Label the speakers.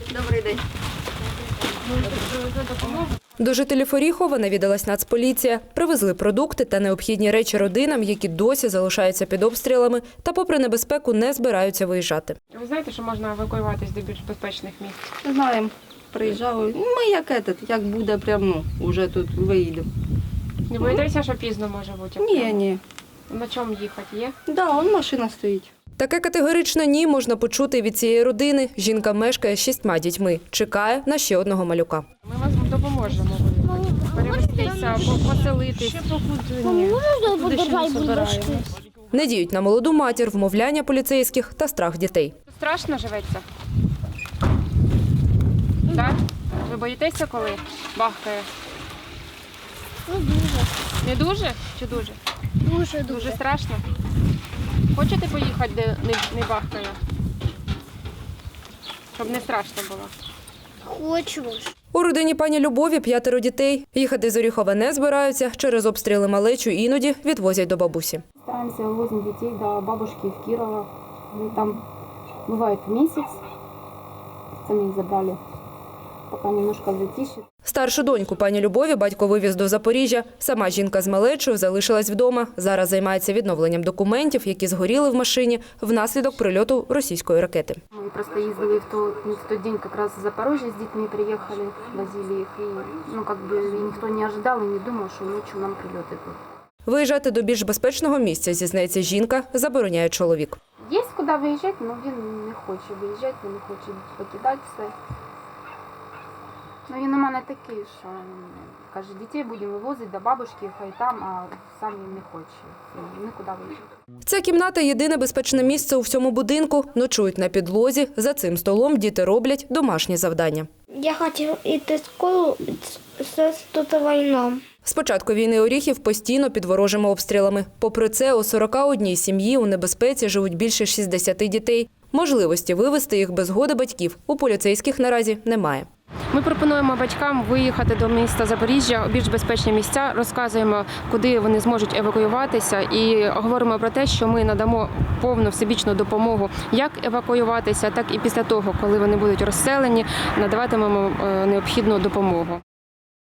Speaker 1: Добрий день.
Speaker 2: До жителів Оріхова навідалась Нацполіція. Привезли продукти та необхідні речі родинам, які досі залишаються під обстрілами та попри небезпеку не збираються виїжджати.
Speaker 3: Ви знаєте, що можна евакуюватись до більш безпечних місць?
Speaker 1: Знаємо, приїжджали. Ми як буде, прямо, вже тут виїдемо.
Speaker 3: Не боїтеся, що пізно може бути?
Speaker 1: Ні.
Speaker 3: На чому їхати є?
Speaker 1: Да, вон машина стоїть.
Speaker 2: Таке категоричне «ні» можна почути від цієї родини. Жінка мешкає з 6 дітьми. Чекає на ще одного малюка.
Speaker 3: Ми вам допоможемо перевестися, поселитись.
Speaker 2: Не діють на молоду матір, вмовляння поліцейських та страх дітей.
Speaker 3: Страшно живеться? Так? Ви боїтеся, коли бахкає? Не дуже чи дуже? Дуже страшно? Хочете поїхати, де не бахкає? Щоб не страшно було?
Speaker 4: Хочу.
Speaker 2: У родині пані Любові 5 дітей. Їхати з Оріхова не збираються. Через обстріли малечу іноді відвозять до бабусі.
Speaker 5: Стараемся, возим детей до бабушки в Кирово. Мы там бывает месяц. Сами их забрали, пока немножко затишье.
Speaker 2: Старшу доньку пані Любові батько вивіз до Запоріжжя. Сама жінка з малечою залишилась вдома. Зараз займається відновленням документів, які згоріли в машині внаслідок прильоту російської ракети.
Speaker 5: Мы просто ездили в тот день как раз в Запорожье с детьми приехали, возили их. И, никто не ожидал и не думал, что ночью нам прилеты будут.
Speaker 2: Виїжджати до більш безпечного місця, зізнається жінка, забороняє чоловік.
Speaker 5: Є куди виїжджати, але він не хоче виїжджати, він не хоче покидати все. Ну, він у мене такий, що каже, дітей будемо вивозити до бабушки, хай там, а сам він не хоче нікуди виїжджати.
Speaker 2: Ця кімната – єдине безпечне місце у всьому будинку. Ночують на підлозі. За цим столом діти роблять домашні завдання.
Speaker 4: Я хочу йти в школу, тут війна.
Speaker 2: З початку війни Оріхів постійно під ворожими обстрілами. Попри це, у 41 сім'ї у небезпеці живуть більше 60 дітей. Можливості вивезти їх без згоди батьків у поліцейських наразі немає.
Speaker 3: Ми пропонуємо батькам виїхати до міста Запоріжжя у більш безпечні місця, розказуємо, куди вони зможуть евакуюватися і говоримо про те, що ми надамо повну всебічну допомогу, як евакуюватися, так і після того, коли вони будуть розселені, надаватимемо необхідну допомогу.